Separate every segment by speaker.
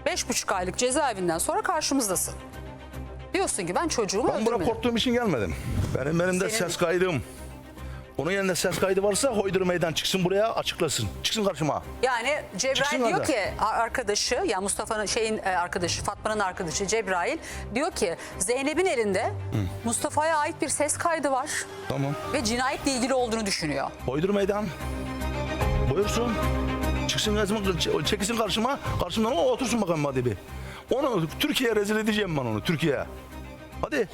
Speaker 1: 5,5 aylık cezaevinden sonra karşımızdasın. Diyorsun ki ben çocuğumu
Speaker 2: Ben buraya
Speaker 1: öldürmedim.
Speaker 2: korktuğum için gelmedim. Benim elimde
Speaker 1: Senin-
Speaker 2: ses kaydım. Onun yerine ses kaydı varsa Hoydur Meydan çıksın buraya açıklasın. Çıksın karşıma.
Speaker 1: Yani Cebrail
Speaker 2: Çıksın
Speaker 1: diyor
Speaker 2: orada.
Speaker 1: ki arkadaşı, ya Mustafa'nın arkadaşı, Fatma'nın arkadaşı Cebrail diyor ki Zeynep'in elinde Mustafa'ya ait bir ses kaydı var
Speaker 2: Tamam.
Speaker 1: ve cinayetle ilgili olduğunu düşünüyor.
Speaker 2: Hoydur Meydan. Buyursun. Çıksın, çekilsin karşıma. Karşımdan o otursun bakalım hadi bir. Onu Türkiye'ye rezil edeceğim ben onu. Türkiye'ye. Hadi.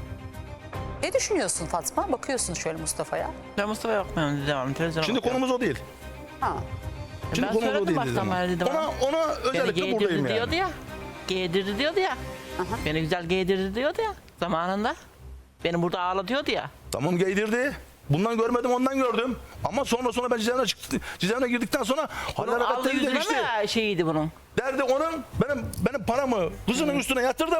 Speaker 1: Ne düşünüyorsun Fatma? Bakıyorsun şöyle Mustafa'ya.
Speaker 3: Ben Mustafa bakmıyorum devam. Televizyona
Speaker 2: Şimdi
Speaker 3: bakıyorum.
Speaker 2: konumuz o değil.
Speaker 1: Ha.
Speaker 2: Şimdi
Speaker 3: Ben
Speaker 2: konumuz o
Speaker 3: söyledim
Speaker 2: değil.
Speaker 3: baştan beri dedim.
Speaker 2: Ona
Speaker 3: Beni
Speaker 2: özellikle buradayım
Speaker 3: giydirdi
Speaker 2: yani.
Speaker 3: diyordu ya. Giydirdi diyordu ya. Beni güzel giydirdi diyordu ya zamanında. Beni burada ağlatıyordu ya.
Speaker 2: Tamam giydirdi. Bundan görmedim ondan gördüm. Ama sonra ben cezaevine girdikten sonra haller
Speaker 3: Bunun aldı
Speaker 2: hareketleri
Speaker 3: yüzüne
Speaker 2: değişti.
Speaker 3: mi şeyiydi bunun?
Speaker 2: Derdi onun benim paramı kızının üstüne yatırdım.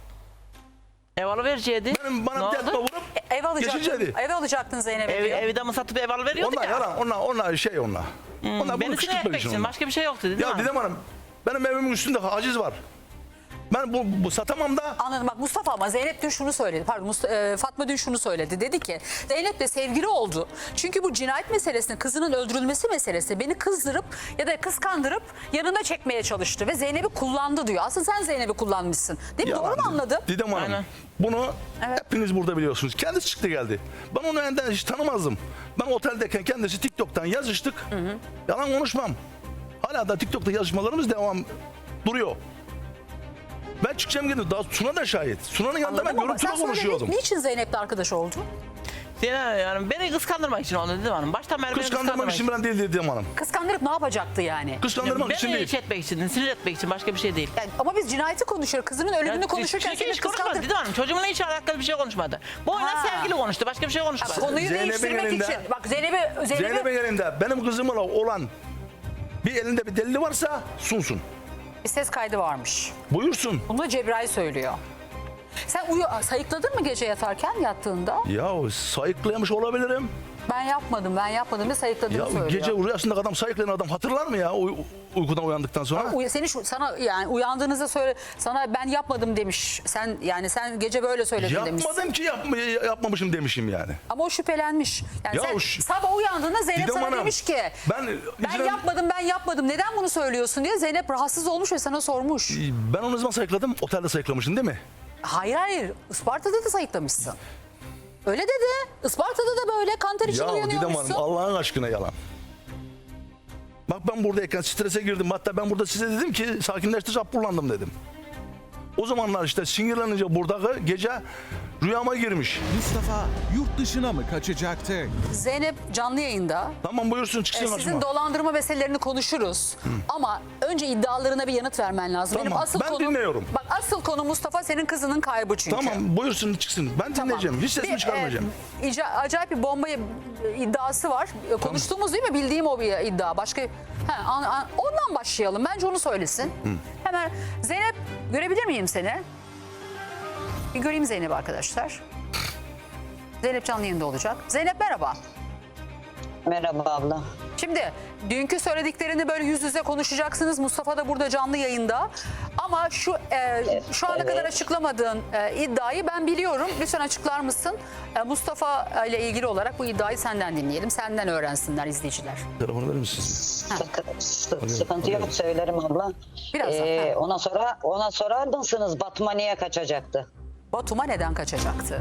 Speaker 3: Ev alıvereceğiydi.
Speaker 2: Benim
Speaker 3: Ne
Speaker 2: bana
Speaker 3: oldu?
Speaker 2: tekme vurup
Speaker 1: Ev alacaktın.
Speaker 2: geçireceğiydi.
Speaker 1: Ev alacaktın Zeynep'e diyor.
Speaker 3: Evi de mi satıp ev alıveriyordu
Speaker 2: Onlar
Speaker 3: ya.
Speaker 2: yalan. Onlar şey onlar. Onlar
Speaker 3: Beni
Speaker 2: bunu
Speaker 3: sinir
Speaker 2: kışkırtmak
Speaker 3: etmek
Speaker 2: için.
Speaker 3: için
Speaker 2: onlar.
Speaker 3: başka bir şey yoktu değil
Speaker 2: Ya
Speaker 3: mi?
Speaker 2: Didem Hanım benim evimin üstünde haciz var. Ben bu satamam da.
Speaker 1: Anladım, bak Mustafa ama Zeynep dün şunu söyledi. Pardon Fatma dün şunu söyledi. Dedi ki Zeynep'le sevgili oldu. Çünkü bu cinayet meselesini, kızının öldürülmesi meselesi beni kızdırıp ya da kıskandırıp yanına çekmeye çalıştı ve Zeynep'i kullandı diyor. Aslında sen Zeynep'i kullanmışsın. Değil mi?
Speaker 2: Yalan.
Speaker 1: Doğru mu anladım?
Speaker 2: Didem Hanım
Speaker 3: Aynen.
Speaker 2: bunu
Speaker 1: Evet.
Speaker 2: hepiniz burada biliyorsunuz. Kendisi çıktı geldi. Ben onu önden hiç tanımazdım. Ben oteldeyken kendisi TikTok'tan yazıştık. Yalan konuşmam. Hala da TikTok'ta yazışmalarımız devam duruyor. Ben çıkacağım gidip daha Suna da şahit. Suna'nın yanında ben
Speaker 1: Anladım ama
Speaker 2: görüntülü
Speaker 1: sen sonra
Speaker 2: konuşuyordum.
Speaker 1: niçin Zeynep'le arkadaş oldu?
Speaker 3: Yani beni kıskandırmak için oldu dedim hanım. Baştan beri beni
Speaker 2: Kıskandırmak için ben değil Didem Hanım.
Speaker 1: Kıskandırıp ne yapacaktı yani?
Speaker 2: Kıskandırmak için
Speaker 3: Beni
Speaker 2: değil.
Speaker 3: iş etmek için, sinir etmek için başka bir şey değil.
Speaker 1: Yani ama biz cinayeti konuşuyoruz. Kızının ölümünü konuşurken
Speaker 3: çünkü
Speaker 1: seni
Speaker 3: hiç konuşmadı
Speaker 1: kıskandır.
Speaker 3: dedim hanım. Çocuğumla hiç alakalı bir şey konuşmadı. Bu oyuna
Speaker 1: Ha.
Speaker 3: sevgili konuştu. Başka bir şey konuşmadı.
Speaker 1: Konuyu
Speaker 2: Zeynep'in
Speaker 1: değiştirmek
Speaker 2: elinde-
Speaker 1: için. Bak Zeynep'i
Speaker 2: Zeynep'in elinde benim kızımla olan bir elinde bir delili varsa sunsun.
Speaker 1: bir ses kaydı varmış.
Speaker 2: Buyursun.
Speaker 1: Bunu da Cebrail söylüyor. Sen sayıkladın mı gece yattığında?
Speaker 2: Ya sayıklayamış olabilirim.
Speaker 1: Ben yapmadım diye sayıkladığını
Speaker 2: Ya
Speaker 1: söylüyor.
Speaker 2: gece rüyasında adam sayıklayan adam hatırlar mı ya uykudan uyandıktan sonra?
Speaker 1: Sana yani uyandığınızda sana ben yapmadım demiş. Sen gece böyle söyledin demiş.
Speaker 2: Yapmadım ki yapmamışım demişim yani.
Speaker 1: Ama o şüphelenmiş. Yani
Speaker 2: Ya
Speaker 1: sen
Speaker 2: o
Speaker 1: sabah uyandığında Zeynep
Speaker 2: Didem
Speaker 1: sana
Speaker 2: Hanım,
Speaker 1: demiş ki ben yapmadım. Neden bunu söylüyorsun diye Zeynep rahatsız olmuş ve sana sormuş.
Speaker 2: Ben onu ne zaman sayıkladım? Otelde sayıklamışsın değil mi?
Speaker 1: Hayır. Isparta'da da sayıklamışsın. Öyle dedi. Isparta'da da böyle kanter için
Speaker 2: Ya Didem
Speaker 1: uyanıyormuşsun.
Speaker 2: Hanım Allah'ın aşkına yalan. Bak ben buradayken strese girdim. Hatta ben burada size dedim ki sakinleştir, hapurlandım dedim. O zamanlar işte sinirlenince buradaki gece rüyama girmiş.
Speaker 4: Mustafa yurt dışına mı kaçacaktı?
Speaker 1: Zeynep canlı yayında.
Speaker 2: Tamam buyursun çıksın
Speaker 1: Sizin
Speaker 2: karşıma.
Speaker 1: dolandırma meselelerini konuşuruz. Ama önce iddialarına bir yanıt vermen lazım.
Speaker 2: Tamam, ben dinliyorum.
Speaker 1: Bak asıl konu Mustafa senin kızının kaybı çünkü.
Speaker 2: Tamam buyursun çıksın. Ben
Speaker 1: Tamam.
Speaker 2: dinleyeceğim. Hiç sesimi çıkarmayacağım.
Speaker 1: Acayip bir bomba iddiası var. Konuştuğumuz değil mi? Bildiğim o bir iddia. Ondan başlayalım. Bence onu söylesin. Hemen Zeynep görebilir miyim seni? Bir göreyim Zeynep'i arkadaşlar. Zeynep canlı yayında olacak. Zeynep merhaba.
Speaker 5: Merhaba abla.
Speaker 1: Şimdi dünkü söylediklerini böyle yüz yüze konuşacaksınız. Mustafa da burada canlı yayında. Ama şu ana kadar açıklamadığın iddiayı ben biliyorum. Lütfen açıklar mısın? Mustafa ile ilgili olarak bu iddiayı senden dinleyelim. Senden öğrensinler izleyiciler.
Speaker 2: Telefonu verir misiniz?
Speaker 5: Sıkıntı yok, söylerim abla.
Speaker 1: Birazdan,
Speaker 5: Ona sorar mısınız Batum'a niye kaçacaktı?
Speaker 1: Batum'a neden kaçacaktı?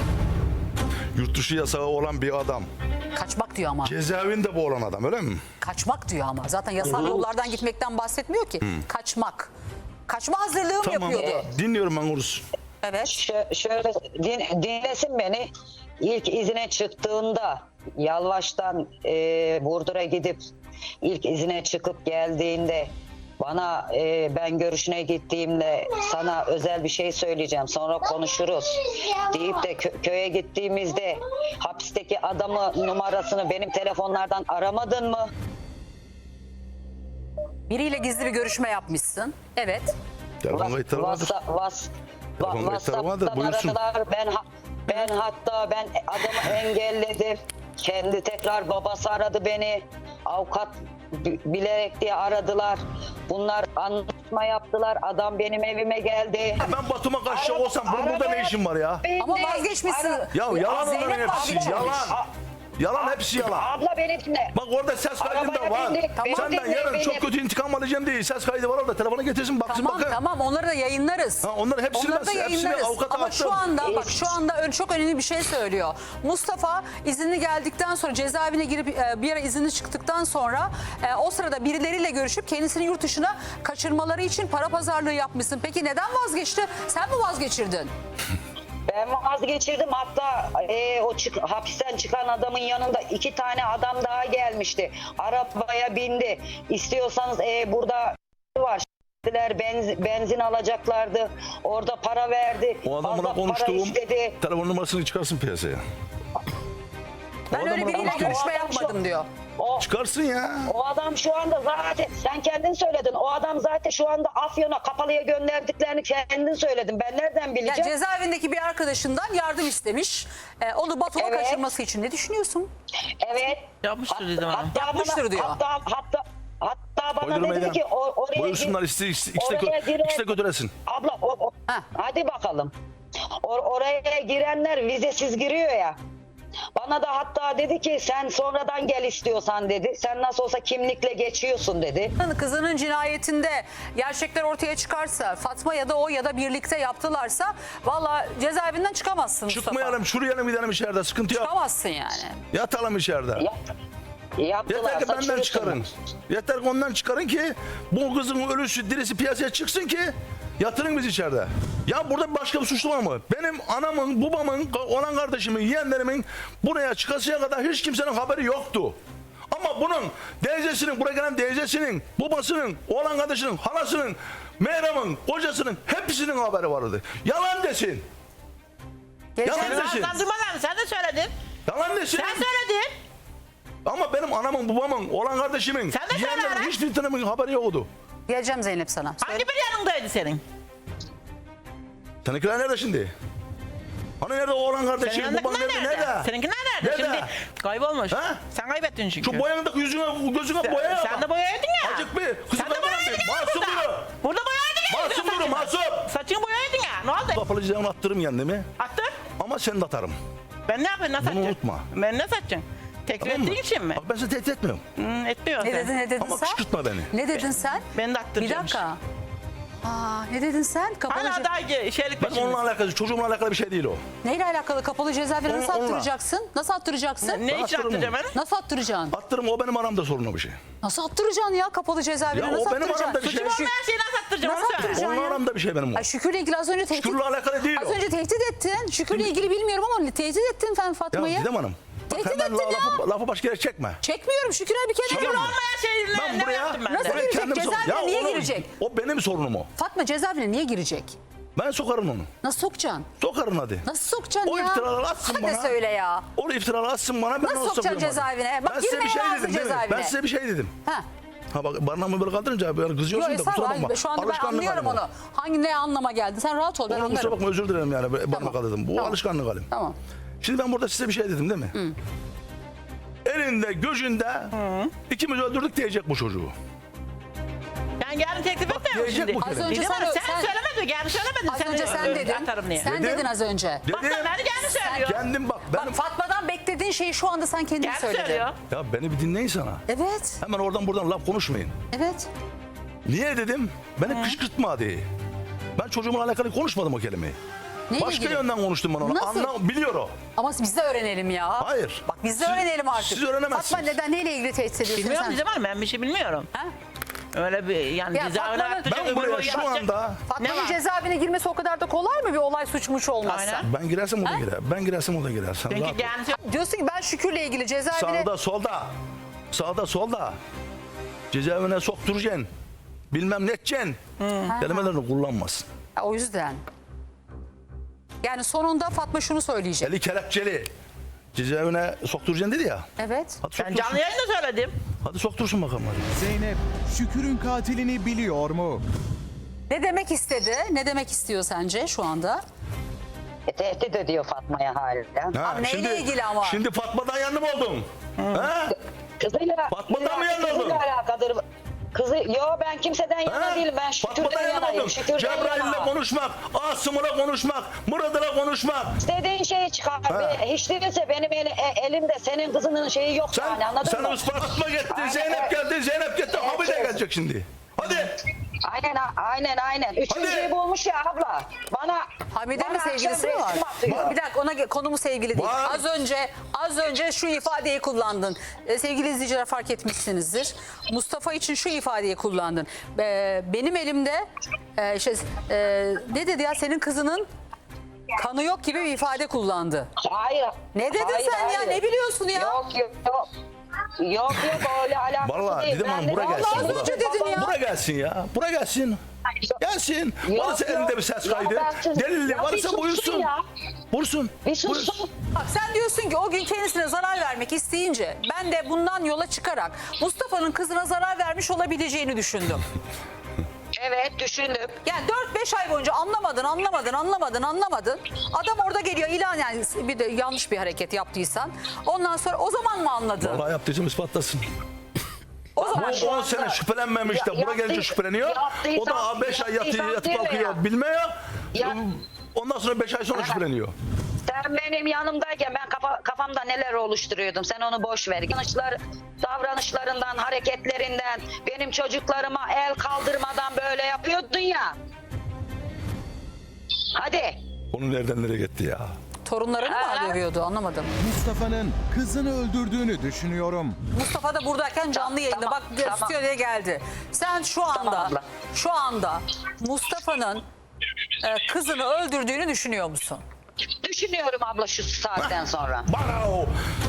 Speaker 2: Yurt dışı yasağı olan bir adam.
Speaker 1: Kaçmak diyor ama.
Speaker 2: Cezaevinde bu olan adam öyle mi?
Speaker 1: Kaçmak diyor ama. Zaten yasal yollardan gitmekten bahsetmiyor ki. Kaçmak. Kaçma hazırlığı mı
Speaker 2: Tamam.
Speaker 1: yapıyordu?
Speaker 2: Dinliyorum ben Urus.
Speaker 1: Evet.
Speaker 5: Şöyle dinlesin beni. İlk izine çıktığında Yalvaç'tan Burdur'a gidip ilk izine çıkıp geldiğinde bana ben görüşüne gittiğimde sana özel bir şey söyleyeceğim sonra konuşuruz deyip de köye gittiğimizde hapisteki adamı numarasını benim telefonlardan aramadın mı?
Speaker 1: Biriyle gizli bir görüşme yapmışsın. Evet.
Speaker 2: Telefon kayıtları vardır. Telefon kayıtları vardır.
Speaker 5: WhatsApp'tan
Speaker 2: Buyursun.
Speaker 5: aradılar. Ben adamı engelledim. Kendi tekrar babası aradı beni. Avukat bilerek diye aradılar. Bunlar anlaşma yaptılar. Adam benim evime geldi.
Speaker 2: Ben Batum'a kaçacak olsam burada ne işim var ya?
Speaker 1: Ama vazgeçmişsin.
Speaker 2: Ya yalan
Speaker 1: Zeynep
Speaker 2: onların hepsi.
Speaker 1: vazgeçmiş.
Speaker 2: Yalan. Yalan hepsi yalan.
Speaker 5: Abla beni dinle.
Speaker 2: Bak orada ses kaydı da
Speaker 5: Arabaya
Speaker 2: var.
Speaker 5: bindik,
Speaker 2: Senden
Speaker 5: bindik,
Speaker 2: yarın çok
Speaker 5: bindik.
Speaker 2: kötü intikam alacağım diye ses kaydı var orada. Telefonu getirsin baksın
Speaker 1: Tamam
Speaker 2: bakın.
Speaker 1: tamam onları da yayınlarız.
Speaker 2: Ha, onları hepsini
Speaker 1: Onları da
Speaker 2: hepsini
Speaker 1: yayınlarız.
Speaker 2: avukata
Speaker 1: Ama
Speaker 2: attım.
Speaker 1: şu anda bak şu anda çok önemli bir şey söylüyor. Mustafa izinli geldikten sonra cezaevine girip bir ara izinli çıktıktan sonra o sırada birileriyle görüşüp kendisini yurt dışına kaçırmaları için para pazarlığı yapmışsın. Peki neden vazgeçti? Sen mi vazgeçirdin?
Speaker 5: Ben vazgeçirdim. Hatta hapisten çıkan adamın yanında 2 tane adam daha gelmişti. Arabaya bindi. İstiyorsanız burada var. Benzin alacaklardı. Orada para verdi.
Speaker 2: O adamla
Speaker 5: Fazla para
Speaker 2: konuştuğum
Speaker 5: istedi.
Speaker 2: telefon numarasını çıkarsın piyasaya.
Speaker 1: Ben öyle biriyle
Speaker 2: konuştum.
Speaker 1: görüşme yapmadım diyor.
Speaker 2: Çıkarsın ya.
Speaker 5: O adam şu anda zaten sen kendin söyledin. O adam zaten şu anda Afyon'a Kapalı'ya gönderdiklerini kendin söyledin. Ben nereden
Speaker 1: Yani
Speaker 5: bileceğim?
Speaker 1: cezaevindeki bir arkadaşından yardım istemiş. Onu Batum'a
Speaker 5: Evet.
Speaker 1: kaçırması için ne düşünüyorsun?
Speaker 5: Evet.
Speaker 3: Yapmıştır dedim hanım.
Speaker 1: Yapmıştır diyor.
Speaker 5: Hatta bana
Speaker 2: Koydurmayın
Speaker 5: dedi
Speaker 2: ya.
Speaker 5: ki oraya
Speaker 2: Buyursunlar ikisi de götüresin.
Speaker 5: Abla
Speaker 1: Ha.
Speaker 5: hadi bakalım. Oraya girenler vizesiz giriyor ya. Bana da hatta dedi ki sen sonradan gel istiyorsan dedi. Sen nasıl olsa kimlikle geçiyorsun dedi.
Speaker 1: Kızının cinayetinde gerçekler ortaya çıkarsa Fatma ya da o ya da birlikte yaptılarsa valla cezaevinden çıkamazsın Mustafa.
Speaker 2: Çıkmayalım, şuraya gidelim içeride, sıkıntı yok.
Speaker 1: Çıkamazsın yani.
Speaker 2: Yatalım içeride.
Speaker 5: Yaptılar.
Speaker 2: Yeter ki benden çıkarın. Yeter ki ondan çıkarın ki bu kızın ölüsü dirisi piyasaya çıksın ki yatırın biz içeride. Ya burada başka bir suçlu var mı? Benim anamın, babamın, olan kardeşimin, yeğenlerimin buraya çıkasıya kadar hiç kimsenin haberi yoktu. Ama bunun teyzesinin, buraya gelen teyzesinin, babasının, oğlan kardeşinin, halasının, Meyrem'in, kocasının hepsinin haberi vardı. Yalan desin.
Speaker 1: Geçen
Speaker 2: Yalan desin.
Speaker 3: Sen durmadan sen de söyledin.
Speaker 2: Yalan desin.
Speaker 3: Sen söyledin.
Speaker 2: Ama benim anamın, babamın, oğlan kardeşimin,
Speaker 3: Sen de söyle
Speaker 2: yeğenlerimin
Speaker 3: lan.
Speaker 2: hiçbir tanemin haberi yoktu.
Speaker 1: geleceğim Zeynep sana. Söyle.
Speaker 3: Hangi bir yanındaydı senin?
Speaker 2: Seninkiler nerede şimdi? Hani nerede oğlan
Speaker 3: Senin
Speaker 2: kardeşin, baban
Speaker 3: yanındakiler
Speaker 2: nerede?
Speaker 3: nerede?
Speaker 2: Nerede?
Speaker 3: Seninkiler nerede?
Speaker 2: Nerede?
Speaker 3: Şimdi kaybolmuş.
Speaker 2: Ha?
Speaker 3: Sen kaybettin çünkü.
Speaker 2: Şu boyanındaki yüzüne, gözüne boya yap.
Speaker 3: Sen de boyaydın ya.
Speaker 2: Azıcık bir. Kızı
Speaker 3: Sen de boyaydın ya
Speaker 2: Masum
Speaker 3: burada.
Speaker 2: duru.
Speaker 3: Burada boyaydın ya.
Speaker 2: Masum duru,
Speaker 3: Saçını.
Speaker 2: masum.
Speaker 3: Saçını boyaydın ya. Ne oldu?
Speaker 2: Kapalı cezanı attırırım kendimi.
Speaker 3: Attın.
Speaker 2: Ama seni de atarım.
Speaker 3: Ben ne yapayım? Nasıl
Speaker 2: Bunu
Speaker 3: atacaksın?
Speaker 2: unutma.
Speaker 3: Ben ne satacaksın? Tekrar
Speaker 2: Tamam mı?
Speaker 3: ettiğin için mi?
Speaker 2: Bak ben seni tehdit etmiyorum.
Speaker 3: Etmiyorsun
Speaker 1: Ne
Speaker 3: sen.
Speaker 1: dedin ne dedin
Speaker 2: Ama
Speaker 1: sen?
Speaker 2: kışkırtma beni.
Speaker 1: Ne dedin sen?
Speaker 3: Beni de
Speaker 1: Bir
Speaker 3: attıracağım.
Speaker 1: dakika. Ne dedin sen? Kapalı
Speaker 3: Hala daha şeylik
Speaker 2: Ben
Speaker 3: peşindesin.
Speaker 2: onunla alakalı, çocuğumla alakalı bir şey değil o.
Speaker 1: Neyle alakalı kapalı cezaevine nasıl
Speaker 2: Onunla.
Speaker 1: attıracaksın? Nasıl attıracaksın?
Speaker 3: Ne için
Speaker 2: attırırım
Speaker 3: attıracağım
Speaker 2: onu.
Speaker 3: beni?
Speaker 1: Nasıl attıracaksın?
Speaker 2: Attırım, o benim aramda sorun o bir şey.
Speaker 1: Nasıl attıracaksın ya kapalı cezaevine?
Speaker 2: Ya o
Speaker 1: nasıl
Speaker 2: benim
Speaker 1: attıracaksın?
Speaker 2: aramda bir şey.
Speaker 3: Suçum olmayan şeyi nasıl attıracağım?
Speaker 1: Nasıl
Speaker 3: Onu söyle.
Speaker 1: attıracaksın?
Speaker 2: Onunla
Speaker 1: ya?
Speaker 2: aramda bir şey benim o.
Speaker 1: Ay Şükür'le ilgili az önce tehdit...
Speaker 2: Şükür'le alakalı değil
Speaker 1: Az
Speaker 2: o.
Speaker 1: önce tehdit ettin. Şükür'le ilgili bilmiyorum ama tehdit ettin sen
Speaker 2: Ya
Speaker 1: Fatma'yı.
Speaker 2: Didem Hanım. Bak
Speaker 1: Tehdit
Speaker 2: hemen
Speaker 1: ettin ya.
Speaker 2: lafı başka yere çekme.
Speaker 1: Çekmiyorum Şükür'e bir kere
Speaker 2: Tamam.
Speaker 1: diyorum.
Speaker 3: Olmayan şeyi
Speaker 2: Ben
Speaker 3: ne
Speaker 2: buraya
Speaker 3: yaptım ben
Speaker 1: Nasıl
Speaker 3: de?
Speaker 1: girecek?
Speaker 2: kendim
Speaker 1: Cezaevine
Speaker 2: Ya
Speaker 1: niye
Speaker 2: onu-
Speaker 1: girecek?
Speaker 2: O benim sorunum o.
Speaker 1: Fatma cezaevine niye girecek?
Speaker 2: Ben sokarım onu.
Speaker 1: Nasıl sokacaksın?
Speaker 2: Sokarım hadi.
Speaker 1: Nasıl sokacaksın
Speaker 2: O
Speaker 1: ya?
Speaker 2: iftiraları atsın
Speaker 1: Hadi
Speaker 2: bana.
Speaker 1: söyle ya.
Speaker 2: O iftiraları atsın bana, ben
Speaker 1: Nasıl
Speaker 2: onu
Speaker 1: sokacaksın
Speaker 2: sokuyorum hadi.
Speaker 1: cezaevine? Bak,
Speaker 2: Ben size bir
Speaker 1: girmeye
Speaker 2: şey
Speaker 1: razı
Speaker 2: dedim değil mi?
Speaker 1: cezaevine.
Speaker 2: Ben size bir şey dedim.
Speaker 1: Ha.
Speaker 2: Ha bak barnağımı böyle kaldırınca böyle kızıyorsun
Speaker 1: Yok
Speaker 2: da kusura
Speaker 1: estağfurullah.
Speaker 2: bakma.
Speaker 1: Şu anda ben
Speaker 2: Alışkanlık
Speaker 1: anlıyorum
Speaker 2: halim o.
Speaker 1: onu. Hangi ne anlama geldi? Sen rahat ol ben
Speaker 2: Onu kusura
Speaker 1: anlarım.
Speaker 2: bakma, özür dilerim yani barnak
Speaker 1: Tamam.
Speaker 2: kaldırdım. Bu
Speaker 1: Tamam.
Speaker 2: alışkanlık halim.
Speaker 1: Tamam.
Speaker 2: Şimdi ben burada size bir şey dedim değil mi? Elinde gözünde ikimiz öldürdük diyecek bu çocuğu.
Speaker 3: Ben yarın teklif
Speaker 2: Bak,
Speaker 3: etmiyorum
Speaker 2: diyecek
Speaker 3: şimdi.
Speaker 2: bu kere.
Speaker 1: Az önce
Speaker 3: Didem Hanım,
Speaker 1: sen-
Speaker 3: sen söylemedin. Yani söylemedin.
Speaker 1: Az önce sen dedin.
Speaker 3: Atarım diye.
Speaker 1: Sen
Speaker 2: Dedim.
Speaker 1: dedin az önce.
Speaker 3: Bak
Speaker 2: Dedim.
Speaker 3: sen beni kendi söylüyor.
Speaker 2: Kendim bak ben
Speaker 1: Bak Fatma'dan beklediğin şeyi şu anda sen kendin
Speaker 3: Kendi
Speaker 1: söyledin.
Speaker 3: söylüyor.
Speaker 2: ya beni bir dinleyin sana.
Speaker 1: Evet.
Speaker 2: Hemen oradan buradan laf konuşmayın.
Speaker 1: Evet.
Speaker 2: Niye dedim? Beni kışkırtma diye. Ben çocuğumla alakalı konuşmadım o kelimeyi.
Speaker 1: Neyle
Speaker 2: Başka
Speaker 1: ilgili?
Speaker 2: yönden konuştum ben onu.
Speaker 1: Nasıl?
Speaker 2: Biliyor o.
Speaker 1: Ama biz de öğrenelim ya.
Speaker 2: Hayır.
Speaker 1: Bak biz de
Speaker 2: Siz-
Speaker 1: öğrenelim artık.
Speaker 2: siz öğrenemezsiniz.
Speaker 1: Fatma neden neyle ilgili tehdit ediyorsun
Speaker 3: Bilmiyorum
Speaker 1: sen?
Speaker 3: Didem Hanım, ben bir şey bilmiyorum.
Speaker 1: Ha?
Speaker 3: Öyle bir yani
Speaker 1: Ya
Speaker 3: cezaevine
Speaker 1: Fatma'nın-
Speaker 3: attıracak.
Speaker 2: Ben
Speaker 3: öbür
Speaker 2: buraya
Speaker 3: boyu
Speaker 2: şu
Speaker 3: yapacak.
Speaker 2: anda
Speaker 1: Fatma'nın
Speaker 3: Ne var?
Speaker 1: cezaevine girmesi o kadar da kolay mı bir olay suçmuş olmazsa?
Speaker 3: Aynen.
Speaker 2: ben girersem o da girer. Ben girersem o da girer. Sen rahat ol.
Speaker 3: Çünkü yani
Speaker 1: Diyorsun ki ben Şükür'le ilgili cezaevine...
Speaker 2: Sağda solda. Sağda solda. Cezaevine sokturacaksın. Bilmem ne edeceksin. Kelimelerini kullanmasın.
Speaker 1: Ha, o yüzden. Yani sonunda Fatma şunu söyleyecek.
Speaker 2: Eli kelepçeli. Cezaevine sokturacaksın dedi ya.
Speaker 1: Evet.
Speaker 2: Hadi
Speaker 3: ben
Speaker 2: soktursun.
Speaker 3: canlı yayında söyledim.
Speaker 2: Hadi soktursun bakalım hadi.
Speaker 4: Zeynep, Şükür'ün katilini biliyor mu?
Speaker 1: Ne demek istedi? Ne demek istiyor sence şu anda?
Speaker 5: Tehdit ediyor Fatma'ya haliyle.
Speaker 2: Ha,
Speaker 1: Abi neyle ilgili ama?
Speaker 2: Şimdi Fatma'dan yandım oldum. Ha?
Speaker 5: Kızıyla,
Speaker 2: Fatma'dan mı yanıldın?
Speaker 5: kızıyla alakadır. Ben kimseden yana değilim. Ben
Speaker 2: Fatma'dan
Speaker 5: Şükür'den yanayım.
Speaker 2: yanıldın.
Speaker 5: Şükür'den
Speaker 2: Cebrail'le
Speaker 5: yana.
Speaker 2: konuşmak, Asım'la konuşmak, Murat'la konuşmak.
Speaker 5: İstediğin şeyi çıkar.
Speaker 2: Ha.
Speaker 5: Hiç değilse benim elimde senin kızının şeyi yok yani, anladın
Speaker 2: Sen
Speaker 5: mı?
Speaker 2: Fatma gitti,
Speaker 5: Aynen,
Speaker 2: Zeynep geldi, Zeynep gitti.
Speaker 5: Evet,
Speaker 2: Hamide
Speaker 5: evet.
Speaker 2: gelecek şimdi. Hadi.
Speaker 5: Aynen. Üçüncüyü
Speaker 2: Hadi.
Speaker 5: bulmuş ya abla.
Speaker 1: Hamide mi
Speaker 5: bana
Speaker 1: sevgilisi mi
Speaker 5: akşam
Speaker 1: var?
Speaker 5: resim atıyor.
Speaker 1: Bir dakika, konumuz sevgili değil.
Speaker 2: Var.
Speaker 1: Az önce şu ifadeyi kullandın. Sevgili izleyiciler, fark etmişsinizdir. Mustafa için şu ifadeyi kullandın. Benim elimde ne dedi ya, senin kızının kanı yok gibi bir ifade kullandı.
Speaker 5: Hayır.
Speaker 1: Ne dedin
Speaker 5: hayır,
Speaker 1: sen ya?
Speaker 5: hayır.
Speaker 1: Ne biliyorsun ya?
Speaker 5: Yok öyle alakası
Speaker 2: Vallahi
Speaker 5: değil.
Speaker 2: Didem Hanım,
Speaker 5: Ben
Speaker 2: buraya
Speaker 5: dedim,
Speaker 2: gelsin,
Speaker 5: vallahi
Speaker 2: buraya.
Speaker 5: az önce dedin ya.
Speaker 2: Buraya gelsin ya. Buraya gelsin. Gelsin.
Speaker 5: Yok,
Speaker 2: Varsa
Speaker 5: yok.
Speaker 2: elinde bir ses
Speaker 5: Ya
Speaker 2: kaydı.
Speaker 5: ben-
Speaker 2: Delili
Speaker 5: Ya bir
Speaker 2: varsa
Speaker 5: sussun
Speaker 2: buyursun.
Speaker 5: ya.
Speaker 2: Buyursun.
Speaker 5: Bir sussun.
Speaker 1: Bak, sen diyorsun ki o gün kendisine zarar vermek isteyince ben de bundan yola çıkarak Mustafa'nın kızına zarar vermiş olabileceğini düşündüm.
Speaker 5: Evet, düşündüm.
Speaker 1: Yani 4-5 ay boyunca anlamadın. Adam orada geliyor ilan, yani bir de yanlış bir hareket yaptıysan. Ondan sonra o zaman mı anladın?
Speaker 2: Vallahi yaptıysam ispatlasın.
Speaker 1: O zaman
Speaker 2: Bu 10 sene şüphelenmemiş de buna gelince şüpheleniyor. O da 5 ay yatıp kalkıyor, bilmiyor.
Speaker 5: Ya.
Speaker 2: Ondan sonra 5 ay sonra şüpheleniyor.
Speaker 5: Sen benim yanımdayken ben kafamda neler oluşturuyordum. Sen onu boş ver. Davranışlarından, hareketlerinden, benim çocuklarıma el kaldırmadan böyle yapıyordun ya. Hadi.
Speaker 2: Onu nereden nereye gitti ya?
Speaker 1: torunlarını mı
Speaker 5: Ha.
Speaker 1: dövüyordu, anlamadım.
Speaker 4: Mustafa'nın kızını öldürdüğünü düşünüyorum.
Speaker 1: Mustafa da buradayken canlı yayında
Speaker 5: Tamam,
Speaker 1: bak
Speaker 5: tamam.
Speaker 1: stüdyoya geldi. Sen
Speaker 5: abla.
Speaker 1: şu anda Mustafa'nın kızını öldürdüğünü düşünüyor musun?
Speaker 5: Düşünüyorum abla şu saatten sonra.
Speaker 2: Baro!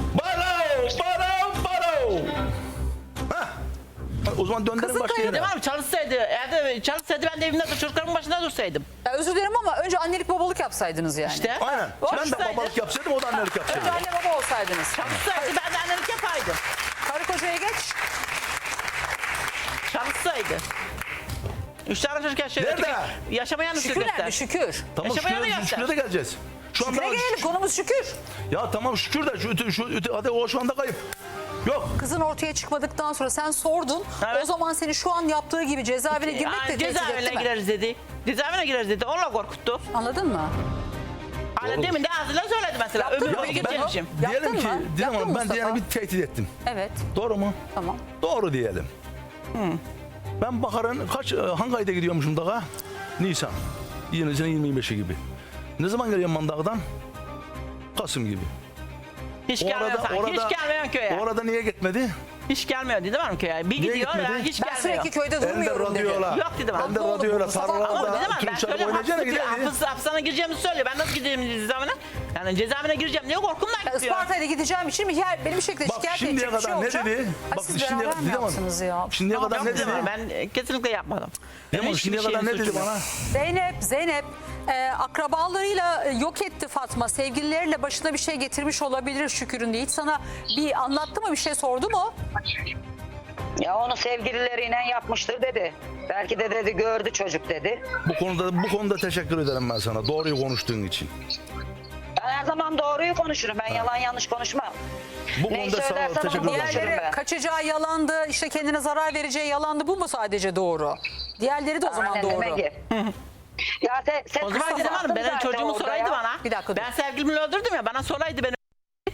Speaker 2: Hah. O zaman döndürün
Speaker 1: Kızın
Speaker 2: başka
Speaker 1: kaydı
Speaker 2: yere.
Speaker 3: Değil mi? Çalışsaydı, evde çalışsaydı ben de evimde çocuklarımın başında dursaydım.
Speaker 1: Ya özür dilerim ama önce annelik babalık yapsaydınız yani.
Speaker 3: İşte.
Speaker 2: Aynen. Ben de
Speaker 3: Çalışsaydı-
Speaker 2: babalık yapsaydım, o da annelik yapsaydı.
Speaker 1: Önce anne baba olsaydınız.
Speaker 3: Çalışsaydı ben de annelik yapaydım.
Speaker 1: Karı kocaya geç.
Speaker 3: Çalışsaydı. 3 tane çocuk yaşıyor.
Speaker 2: Nerede?
Speaker 3: Öteki yaşamayan
Speaker 1: Şükür
Speaker 3: göster.
Speaker 1: nerede? Şükür.
Speaker 2: Tamam,
Speaker 3: Yaşamaya mı
Speaker 2: şükür,
Speaker 3: göster?
Speaker 2: şüküre de geleceğiz. Şu anda
Speaker 1: Şükür'e gelelim, konumuz şükür.
Speaker 2: ya tamam şükür de hadi o şu anda kayıp. Yok.
Speaker 1: Kızın ortaya çıkmadıktan sonra sen sordun.
Speaker 3: Evet.
Speaker 1: O zaman seni şu an yaptığı gibi cezaevine girmek de tehdit etti
Speaker 3: Cezaevine
Speaker 1: mi?
Speaker 3: gireriz dedi. Cezaevine gireriz dedi. Onunla korkuttu.
Speaker 1: Anladın mı?
Speaker 3: Hani demin de ağzıyla söyledi mesela.
Speaker 1: Yaptın
Speaker 3: Ömür
Speaker 1: mı?
Speaker 3: boyu
Speaker 1: Yaptın mı?
Speaker 3: gidecekmişim.
Speaker 2: Diyelim
Speaker 1: Yaptın
Speaker 2: ki,
Speaker 1: mı?
Speaker 2: Didem
Speaker 1: Yaptın
Speaker 2: Hanım,
Speaker 1: mı
Speaker 2: ben
Speaker 1: Mustafa?
Speaker 2: diyelim bir tehdit ettim.
Speaker 1: Evet,
Speaker 2: Doğru mu?
Speaker 1: tamam.
Speaker 2: Doğru diyelim. Ben Bahar'ın hangi ayda gidiyormuşum dağa? Nisan. Yine 25'i gibi. Ne zaman geliyorum ben dağdan? Kasım gibi.
Speaker 3: Hiç gelmiyor sanki. Hiç gelmiyor köye.
Speaker 2: Orada niye gitmedi?
Speaker 3: Hiç gelmiyor dedim mi köye? Bir
Speaker 2: Niye
Speaker 3: gidiyor ya
Speaker 2: gitmedi?
Speaker 3: hiç
Speaker 1: Ben
Speaker 3: gelmiyor.
Speaker 1: sürekli köyde
Speaker 2: Ben de
Speaker 1: durmuyorum dedi.
Speaker 2: radyoyla.
Speaker 3: Yok dedim abi.
Speaker 2: Ben de
Speaker 1: Haklı oldum.
Speaker 2: radyoyla
Speaker 1: Mustafa,
Speaker 3: Ama
Speaker 2: tarlalarda
Speaker 3: dedim ben
Speaker 2: Türkçe'de
Speaker 3: söylüyorum
Speaker 2: oynayacağına giderdi.
Speaker 3: hapishaneye gireceğimi söylüyor. Ben nasıl gideyim cezaevine? Yani cezaevine gireceğim diye korkumdan
Speaker 1: Ya
Speaker 3: gidiyor.
Speaker 1: Isparta'ya gideceğim için beni bir şekilde
Speaker 2: Bak
Speaker 1: şikayet
Speaker 2: şimdiye
Speaker 1: edecek bir şey
Speaker 2: kadar ne
Speaker 1: olacak.
Speaker 2: dedi?
Speaker 1: Ay,
Speaker 2: Bak
Speaker 1: siz
Speaker 2: şimdiye
Speaker 1: beraber mi
Speaker 2: Didem Hanım,
Speaker 1: yaptınız ya?
Speaker 2: şimdiye kadar
Speaker 3: Yok
Speaker 2: ne
Speaker 3: dedim
Speaker 2: dedi?
Speaker 3: abi, ben kesinlikle yapmadım.
Speaker 2: Didem Hanım, şimdiye kadar ne dedi bana?
Speaker 1: Zeynep akrabalarıyla yok etti Fatma. Sevgilileriyle başına bir şey getirmiş olabilir Şükür'ün diye. Hiç sana bir anlattı mı, bir şey sordu mu?
Speaker 5: Ya onu sevgilileriyle yapmıştır dedi. Belki de dedi gördü çocuk dedi.
Speaker 2: Bu konuda teşekkür ederim ben sana. Doğruyu konuştuğun için.
Speaker 5: Ben her zaman doğruyu konuşurum. Ben yalan yanlış konuşmam.
Speaker 2: Bu
Speaker 5: Neyi
Speaker 2: konuda sağ ol,
Speaker 5: söylersem onu
Speaker 2: teşekkür ederim.
Speaker 5: konuşurum
Speaker 1: Diğerleri
Speaker 5: ben.
Speaker 1: kaçacağı yalandı, işte kendine zarar vereceği yalandı. Bu mu sadece doğru? Diğerleri de o zaman
Speaker 5: Aynen,
Speaker 1: doğru.
Speaker 5: demek ki. Ya sen
Speaker 3: O zaman dedim hanım benim çocuğumu soraydı bana.
Speaker 1: Bir dakika dur.
Speaker 3: Ben sevgilimi öldürdüm ya bana soraydı beni.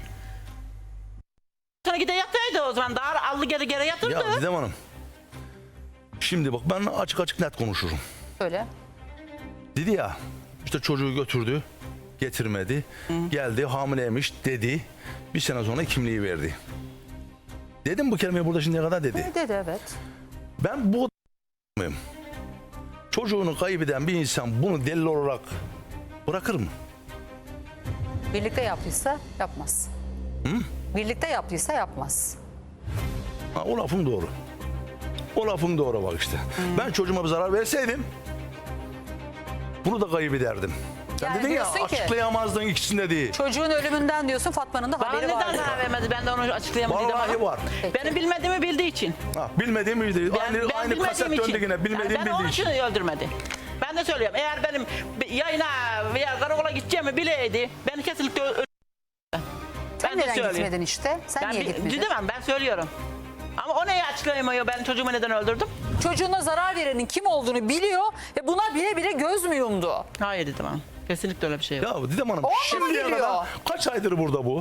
Speaker 3: Sonra gide yataydı o zaman daha allı geri yatırdı.
Speaker 2: Ya Didem Hanım. Şimdi bak ben açık net konuşurum.
Speaker 1: Öyle.
Speaker 2: Dedi ya işte çocuğu götürdü, getirmedi, geldi hamileymiş dedi. Bir sene sonra kimliği verdi. Dedim bu kelimeyi burada şimdiye kadar dedi.
Speaker 1: Dedi evet.
Speaker 2: Ben bu mıyım? Çocuğunu kaybeden bir insan bunu delil olarak bırakır mı?
Speaker 1: Birlikte yaptıysa yapmaz. Birlikte yaptıysa yapmaz.
Speaker 2: Ha, o lafın doğru. O lafın doğru bak işte. Ben çocuğuma bir zarar verseydim bunu da kaybederdim. Sen
Speaker 1: Yani
Speaker 2: dedin ya
Speaker 1: diyorsun ki-
Speaker 2: açıklayamazdın ikisinde değil.
Speaker 1: Çocuğun ölümünden diyorsun, Fatma'nın da
Speaker 3: Bana
Speaker 1: haberi
Speaker 3: neden
Speaker 1: vardı.
Speaker 3: zarar vermedi ben de onu açıklayamadım.
Speaker 2: Vallahi var.
Speaker 3: Benim bilmediğimi bildiği için.
Speaker 2: Ha, bilmediğim bildiği. Aynı kaset döndü yine bilmediğim
Speaker 3: Yani ben onun
Speaker 2: bildiği
Speaker 3: için
Speaker 2: için.
Speaker 3: öldürmedi. Ben de söylüyorum eğer benim yayına veya karakola gideceğimi bileydi ben kesinlikle ben
Speaker 1: neden
Speaker 3: söyleyeyim.
Speaker 1: gitmedin işte? Sen niye gitmedin?
Speaker 3: Didem ben söylüyorum. Ama o neyi açıklayamıyor, ben çocuğumu neden öldürdüm?
Speaker 1: Çocuğuna zarar verenin kim olduğunu biliyor ve buna bile bile göz mü yumdu?
Speaker 3: Hayır Didem Hanım. Kesinlikle öyle bir şey yok.
Speaker 2: Ya Didem Hanım
Speaker 1: O mu
Speaker 2: şimdiye
Speaker 1: biliyor?
Speaker 2: kadar kaç aydır burada bu?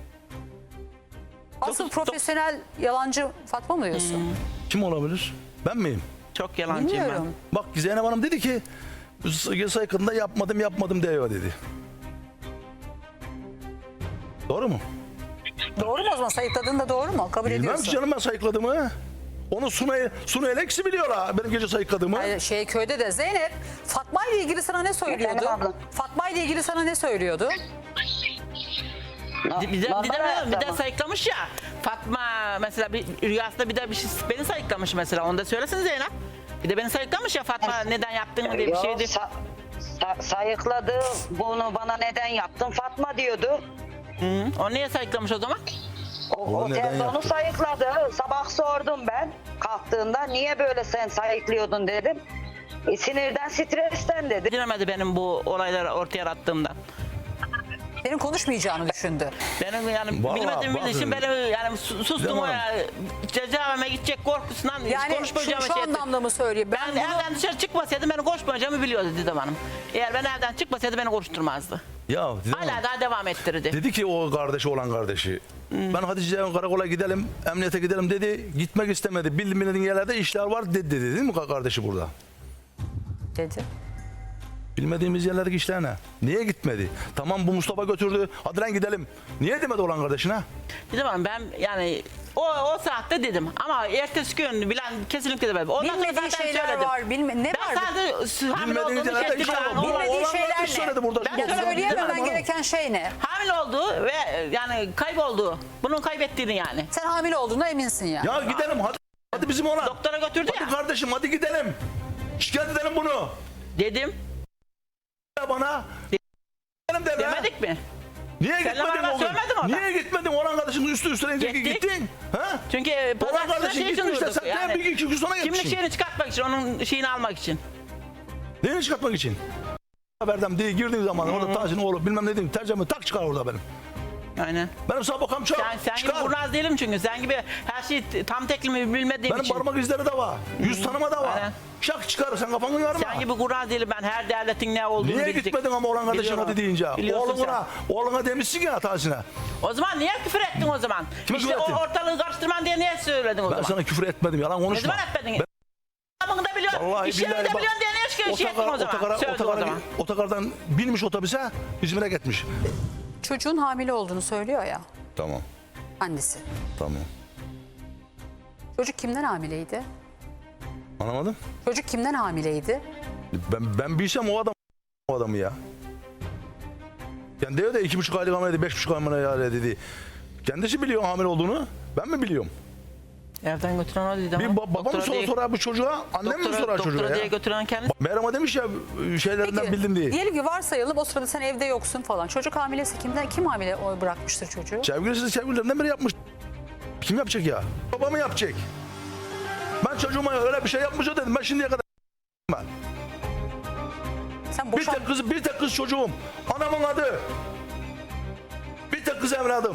Speaker 1: Asıl profesyonel yalancı Fatma mı diyorsun?
Speaker 2: Kim olabilir? Ben miyim?
Speaker 3: Çok yalancıyım
Speaker 1: Bilmiyorum.
Speaker 2: Bak Zeynep Hanım dedi ki sayıkında yapmadım diyor dedi. Doğru mu?
Speaker 1: Doğru mu o zaman? Sayıkladığın da doğru mu? Kabul
Speaker 2: Bilmem
Speaker 1: ediyorsun.
Speaker 2: ki canım ben sayıkladığımı. Onu Sunu Eleksi biliyor ha benim gece sayıkladığımı.
Speaker 1: Hayır, köyde de Zeynep Fatma ile ilgili sana ne söylüyordu?
Speaker 5: Efendim abla?
Speaker 1: Fatma ile ilgili sana ne söylüyordu?
Speaker 3: Bir
Speaker 5: hayatta
Speaker 3: de
Speaker 5: mı?
Speaker 3: sayıklamış ya. Fatma mesela bir rüyasında bir de bir şey beni sayıklamış mesela. Onu da söylesin Zeynep. Bir de beni sayıklamış ya Fatma neden yaptın diye bir
Speaker 5: Yok,
Speaker 3: şeydi.
Speaker 5: sayıkladı, bunu bana neden yaptın Fatma diyordu.
Speaker 3: Hı, o niye sayıklamış o zaman?
Speaker 2: Onu neden
Speaker 5: Otelde onu
Speaker 2: yaptı?
Speaker 5: sayıkladı. Sabah sordum ben kalktığında niye böyle sen sayıklıyordun dedim. Sinirden, stresten dedi.
Speaker 3: Bilemedi benim bu olayları ortaya attığımdan.
Speaker 1: Senin konuşmayacağını düşündü.
Speaker 3: Benim yani
Speaker 2: Vallahi
Speaker 3: bilmediğim
Speaker 2: bakın.
Speaker 3: için benim yani sustum
Speaker 2: Tamam.
Speaker 3: o ya. Cezaevime gidecek korkusundan hiç
Speaker 1: Yani
Speaker 3: konuşmayacağımı
Speaker 1: şu
Speaker 3: şey etti.
Speaker 1: anlamda mı söylüyor?
Speaker 3: Ben
Speaker 1: Ben bunu...
Speaker 3: evden dışarı çıkmasaydım beni konuşmayacağımı biliyordu Didem Hanım. Eğer ben evden çıkmasaydı beni konuşturmazdı.
Speaker 2: Ya Didem Hanım,
Speaker 3: Hala daha devam ettirirdi.
Speaker 2: dedi ki o kardeşi olan kardeşi. Ben Hatice'ye karakola gidelim, emniyete gidelim dedi. Gitmek istemedi. Bilmediğin yerlerde işler var dedi değil mi kardeşi burada?
Speaker 1: dedi.
Speaker 2: Bilmediğimiz yerlerdeki işler ne? Niye gitmedi? Tamam bu Mustafa götürdü. Hadi lan gidelim. Niye demedi olan kardeşine?
Speaker 3: Didem Hanım ben yani o saatte dedim ama ertesi gün bilen kesinlikle demedim. Ondan sonra
Speaker 1: Bilmediği
Speaker 3: zaten
Speaker 1: şeyler
Speaker 3: söyledim.
Speaker 1: var. Ne
Speaker 3: Ben
Speaker 1: var?
Speaker 3: sadece hamile
Speaker 2: Bilmediğiniz
Speaker 3: olduğunu
Speaker 2: yerlerde
Speaker 3: şey
Speaker 2: işler var. Bu
Speaker 1: Bilmediği
Speaker 2: olan
Speaker 1: şeyler
Speaker 2: kardeş
Speaker 1: ne?
Speaker 2: söyledi burada.
Speaker 3: Ben
Speaker 1: Ya
Speaker 3: söylemedim.
Speaker 1: söyleyememen
Speaker 2: Hanım.
Speaker 1: gereken şey ne?
Speaker 3: Hamile olduğu ve yani kaybolduğu. Bunun kaybettiğini yani.
Speaker 1: Sen hamile olduğuna eminsin ya.
Speaker 2: Ya gidelim hadi. Hadi bizim ona.
Speaker 3: Doktora götürdü
Speaker 2: Hadi
Speaker 3: ya.
Speaker 2: kardeşim hadi gidelim. Şikayet edelim bunu.
Speaker 3: Dedim.
Speaker 2: Ya bana. Gidelim de be.
Speaker 3: Demedik mi?
Speaker 2: Niye
Speaker 3: Seninle
Speaker 2: gitmedin
Speaker 3: beraber
Speaker 2: o gün?
Speaker 3: söylemedin orada.
Speaker 2: Niye gitmedin? Olan kardeşin üstüne
Speaker 3: Gittik.
Speaker 2: gittin. Ha?
Speaker 3: Çünkü
Speaker 2: Olan
Speaker 3: pazartesi
Speaker 2: kardeşin
Speaker 3: şey için
Speaker 2: gitmiş de
Speaker 3: durduk.
Speaker 2: sen bir iki gün sonra
Speaker 3: Kimlik
Speaker 2: gitmişsin.
Speaker 3: şeyini çıkartmak için, onun şeyini almak için.
Speaker 2: Neyini çıkartmak için? Haberden diye girdiğin zaman orada Tahsin oğlu bilmem ne diyeyim tercüme tak çıkar orada benim.
Speaker 3: Aynen.
Speaker 2: Benim sabıkam çok.
Speaker 3: Sen gibi
Speaker 2: çıkar.
Speaker 3: kurnaz değilim çünkü. Sen gibi her şeyi tam teklimi bilmediğim
Speaker 2: Benim
Speaker 3: için.
Speaker 2: parmak izleri de var. Yüz tanıma da var.
Speaker 3: Aynen.
Speaker 2: Şak çıkar sen kafanı yorma.
Speaker 3: Sen gibi kurnaz değilim ben. Her devletin ne olduğunu
Speaker 2: Niye
Speaker 3: bilecek.
Speaker 2: gitmedin ama olan kardeşin
Speaker 3: Biliyorum.
Speaker 2: hadi deyince?
Speaker 3: Biliyorsun
Speaker 2: Oğluna demişsin ya Tahsin'e.
Speaker 3: O zaman niye küfür ettin o zaman?
Speaker 2: Kime
Speaker 3: işte
Speaker 2: küfür ettim?
Speaker 3: o ortalığı karıştırman diye niye söyledin o
Speaker 2: Ben
Speaker 3: zaman?
Speaker 2: sana küfür etmedim yalan
Speaker 3: Ne
Speaker 2: konuşma.
Speaker 3: zaman etmedin? Adamını da biliyorsun.
Speaker 2: Vallahi
Speaker 3: İşlerini
Speaker 2: billahi
Speaker 3: de
Speaker 2: bak,
Speaker 3: biliyorsun diye niye şey ettin o zaman? Söyledin o zaman.
Speaker 2: otogardan binmiş otobüse İzmir'e gitmiş.
Speaker 1: Çocuğun hamile olduğunu söylüyor ya
Speaker 2: Tamam
Speaker 1: annesi.
Speaker 2: tamam.
Speaker 1: Çocuk kimden hamileydi?
Speaker 2: Anlamadım.
Speaker 1: Çocuk kimden hamileydi?
Speaker 2: Ben bilsem o adamı ya. Yani diyor da 2,5 aylık hamileydi, 5,5 hamile dedi. Kendisi biliyor hamile olduğunu. Ben mi biliyorum?
Speaker 3: Evden götüren o dedi ama.
Speaker 2: Bir babam mı sorar bu çocuğa, annem mi sorar çocuğa
Speaker 3: Doktora diye
Speaker 2: ya?
Speaker 3: götüren kendisi.
Speaker 2: Meryem'e demiş ya şeylerinden bildim diye.
Speaker 1: Diyelim ki varsayalım o sırada sen evde yoksun falan. Çocuk hamilesi kim hamile bırakmıştır çocuğu?
Speaker 2: Sevgililerinden biri yapmış. Kim yapacak ya? Babamı yapacak. Ben çocuğuma öyle bir şey yapmış o dedim. Ben şimdiye kadar ben.
Speaker 1: Sen
Speaker 2: Bir tek kız çocuğum. Anamın adı. Bir tek kız evladım.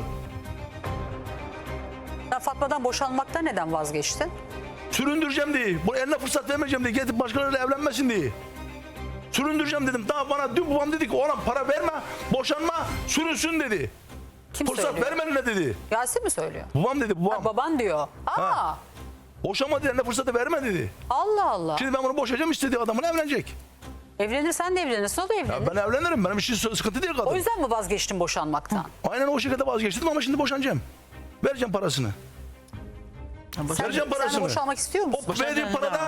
Speaker 1: Sen Fatma'dan boşanmaktan neden vazgeçtin?
Speaker 2: Süründüreceğim diye. Bu eline fırsat vermeyeceğim diye. Getirip başkalarıyla evlenmesin diye. Süründüreceğim dedim. Daha bana dün babam dedi ki oğlum para verme, boşanma, sürünsün dedi.
Speaker 1: Kim
Speaker 2: Fırsat
Speaker 1: söylüyor?
Speaker 2: verme eline dedi.
Speaker 1: Yasin mi söylüyor?
Speaker 2: Babam dedi babam.
Speaker 1: Baban diyor.
Speaker 2: Ha. Boşanma dedi, eline fırsatı verme dedi.
Speaker 1: Allah Allah.
Speaker 2: Şimdi ben bunu boşayacağım istediği adamla evlenecek.
Speaker 1: Evlenirsen de evlenirsin o da evlenir.
Speaker 2: Ya ben evlenirim. Benim için sıkıntı değil kadın.
Speaker 1: O yüzden mi vazgeçtin boşanmaktan?
Speaker 2: Aynen o şekilde vazgeçtim ama şimdi boşanacağım. Vereceğim parasını. Vereceğim
Speaker 1: Sen
Speaker 2: parasını.
Speaker 1: boşanmak istiyor musun?
Speaker 2: O verdiğim parada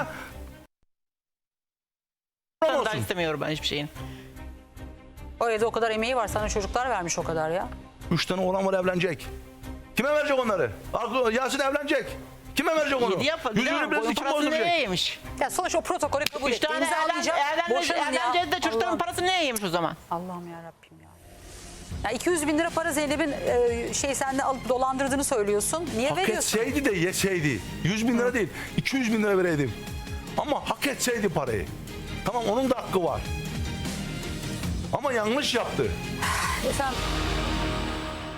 Speaker 3: Ben
Speaker 2: olsun.
Speaker 3: daha istemiyorum ben hiçbir şeyin.
Speaker 1: O evde o kadar emeği var. Sana çocuklar vermiş o kadar ya.
Speaker 2: 3 tane oğlan var evlenecek. Kime verecek onları? Yasin evlenecek. Kime verecek onu?
Speaker 3: Yedi yap.
Speaker 2: Yüzünü biraz kim
Speaker 3: parasını
Speaker 2: bozduracak?
Speaker 3: neye yemiş?
Speaker 1: Ya sonuçta o protokolü kabul
Speaker 3: 3
Speaker 1: etti.
Speaker 3: tane
Speaker 1: İmzalayacak. Boşanın ya.
Speaker 3: evleneceğiz de çocukların
Speaker 1: Allah'ım.
Speaker 3: parasını neye yemiş o zaman?
Speaker 1: Allah'ım yarabbim ya. Ya 200 bin lira para Zeynep'in senden alıp dolandırdığını söylüyorsun. Niye
Speaker 2: Hak
Speaker 1: veriyorsun?
Speaker 2: etseydi de yeseydi. 100 bin lira değil. 200 bin lira vereydim. Ama hak etseydi parayı. Tamam onun da hakkı var. Ama yanlış yaptı.
Speaker 1: Sen